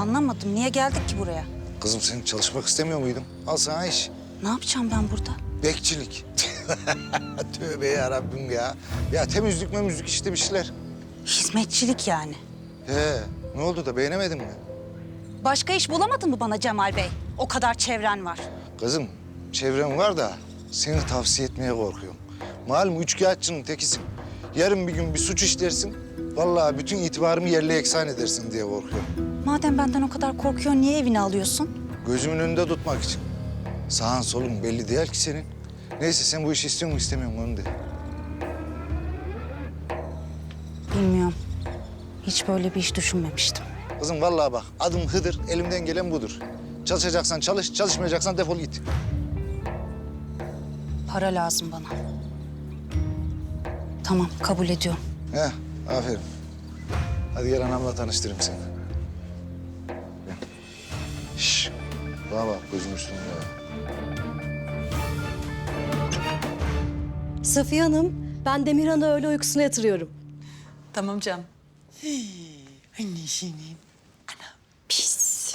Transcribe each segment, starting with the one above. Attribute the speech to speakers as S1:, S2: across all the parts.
S1: Anlamadım. Niye geldik ki buraya?
S2: Kızım sen çalışmak istemiyor muydun? Al sana iş.
S1: Ne yapacağım ben burada?
S2: Bekçilik. Tövbe yarabbim ya. Ya temizlik memizlik işte bir şeyler.
S1: Hizmetçilik yani.
S2: Ne oldu da beğenemedin mi?
S1: Başka iş bulamadın mı bana Cemal Bey? O kadar çevren var.
S2: Kızım çevrem var da seni tavsiye etmeye korkuyorum. Malum üçkağıtçının tekisin. Yarın bir gün bir suç işlersin. Vallahi bütün itibarımı yerle eksan edersin diye korkuyorum.
S1: Madem benden o kadar korkuyorsun, niye evine alıyorsun?
S2: Gözümün önünde tutmak için. Sağın solun belli değil ki senin. Neyse sen bu işi istiyor musun istemiyor musun onu de.
S1: Bilmiyorum. Hiç böyle bir iş düşünmemiştim.
S2: Kızım vallahi bak adım Hıdır, elimden gelen budur. Çalışacaksan çalış, çalışmayacaksan defol git.
S1: Para lazım bana. Tamam, kabul ediyorum.
S2: Aferin. Hadi gel anamla tanıştırayım seni. Gel. Şşş, bana bak gözüm üstünde.
S3: Safiye Hanım, ben Demirhan'ı öğle uykusuna yatırıyorum.
S4: Tamam canım. Anne senin.
S5: Pis.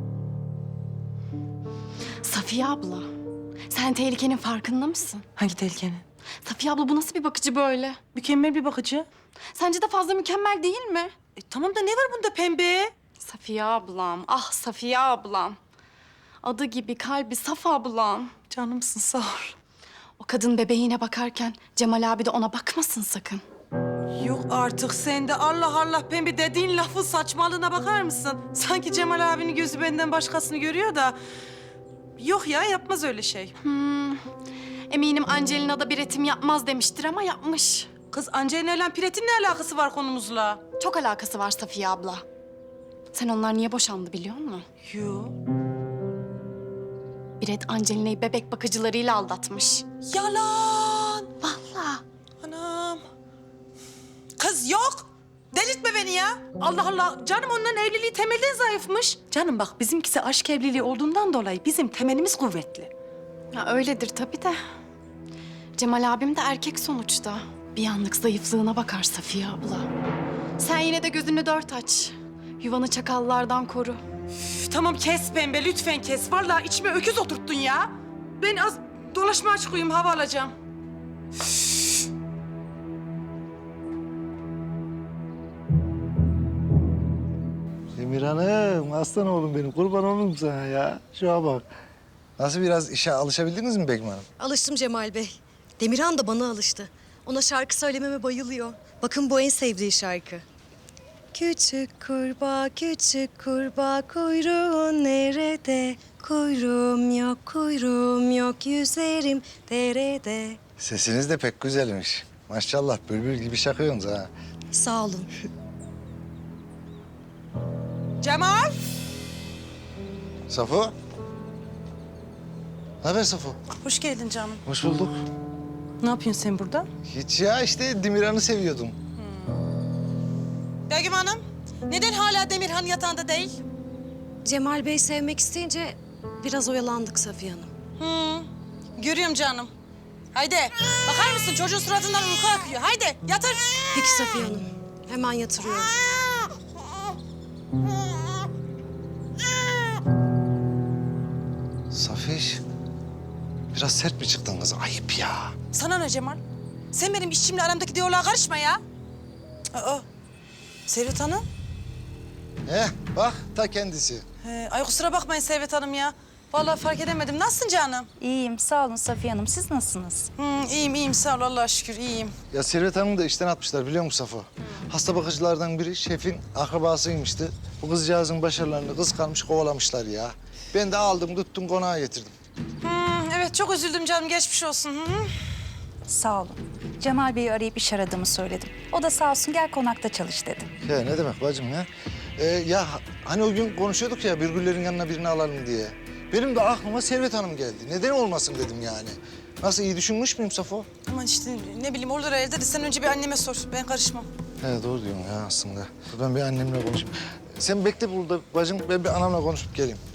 S5: Safiye abla, sen tehlikenin farkında mısın?
S4: Hangi tehlikenin?
S5: Safiye abla bu nasıl bir bakıcı böyle?
S4: Mükemmel bir bakıcı.
S5: Sence de fazla mükemmel değil mi?
S4: Tamam da ne var bunda pembe?
S5: Safiye ablam, ah Safiye ablam. Adı gibi kalbi saf ablam.
S4: Canımsın sağ ol.
S5: O kadın bebeğine bakarken Cemal abi de ona bakmasın sakın.
S4: Yok artık sen de Allah Allah pembe dediğin lafın saçmalığına bakar mısın? Sanki Cemal abinin gözü benden başkasını görüyor da... Yok ya yapmaz öyle şey.
S5: Eminim Angelina da bir etim yapmaz demiştir ama yapmış.
S4: Kız Angelina ile Piret'in ne alakası var konumuzla?
S5: Çok alakası var Safiye abla. Sen onlar niye boşandı biliyor musun?
S4: Yok.
S5: Biret Angelina'yı bebek bakıcılarıyla aldatmış.
S4: Yalan.
S5: Vallahi.
S4: Anam. Kız yok. Delirtme beni ya. Allah Allah. Canım onların evliliği temelden zayıfmış. Canım bak bizimkisi aşk evliliği olduğundan dolayı bizim temelimiz kuvvetli.
S5: Ya öyledir tabii de. Cemal abim de erkek sonuçta. Bir anlık zayıflığına bakar Safiye abla. Sen yine de gözünü dört aç. Yuvanı çakallardan koru.
S4: Üf, tamam kes pembe lütfen kes. Vallahi içime öküz oturttun ya. Ben az dolaşmaya çıkayım hava alacağım.
S2: Demir Hanım, aslan oğlum benim. Kurban olurum sana ya. Şuna bak. Nasıl biraz işe alışabildiniz mi Begüm Hanım?
S3: Alıştım Cemal Bey. Demirhan da bana alıştı. Ona şarkı söylememe bayılıyor. Bakın bu en sevdiği şarkı. Küçük kurbağa, kuyruğun nerede? Kuyruğum yok, yüzerim derede.
S2: Sesiniz de pek güzelmiş. Maşallah bülbül gibi şakıyorsunuz ha.
S3: Sağ olun.
S4: Cemal.
S2: Safo. Ne haber Safo?
S4: Hoş geldin canım.
S2: Hoş bulduk.
S4: Ne yapıyorsun sen burada?
S2: Hiç ya işte Demirhan'ı seviyordum.
S4: Begüm Hanım. Neden hala Demirhan yatağında değil?
S3: Cemal Bey sevmek isteyince biraz oyalandık Safiye Hanım.
S4: Görüyorum canım. Haydi bakar mısın çocuğun suratından uyku akıyor. Haydi yatır.
S3: Peki Safiye Hanım. Hemen yatırıyorum.
S2: Safiş. Biraz sert mi çıktın kız? Ayıp ya.
S4: Sana ne Cemal? Sen benim işimle aramdaki diyaloğa karışma ya. Aa, Servet Hanım.
S2: Bak ta kendisi.
S4: Ay kusura bakmayın Servet Hanım ya. Vallahi fark edemedim. Nasılsın canım?
S1: İyiyim, sağ olun Safiye Hanım. Siz nasılsınız?
S4: İyiyim sağ ol Allah'a şükür iyiyim.
S2: Ya Servet Hanım'ı da işten atmışlar biliyor musun Safo? Hasta bakıcılardan biri şefin akrabasıymıştı. Bu kızcağızın başarılarını kıskanmış kovalamışlar ya. Ben de aldım tuttum konağa getirdim.
S4: Evet çok üzüldüm canım geçmiş olsun.
S1: Sağ olun. Cemal Bey'i arayıp iş aradığımı söyledim. O da sağ olsun gel konakta çalış dedi.
S2: Ya ne demek bacım ya? Hani o gün konuşuyorduk ya Birgüllerin yanına birini alalım diye. Benim de aklıma Servet Hanım geldi. Neden olmasın dedim yani. Nasıl iyi düşünmüş müyüm Safo?
S4: Aman işte ne bileyim olur evde de sen önce bir anneme sor. Ben karışmam.
S2: He doğru diyorsun ya aslında. Ben bir annemle konuşayım. Sen bekle burada bacım ben bir anamla konuşup geleyim.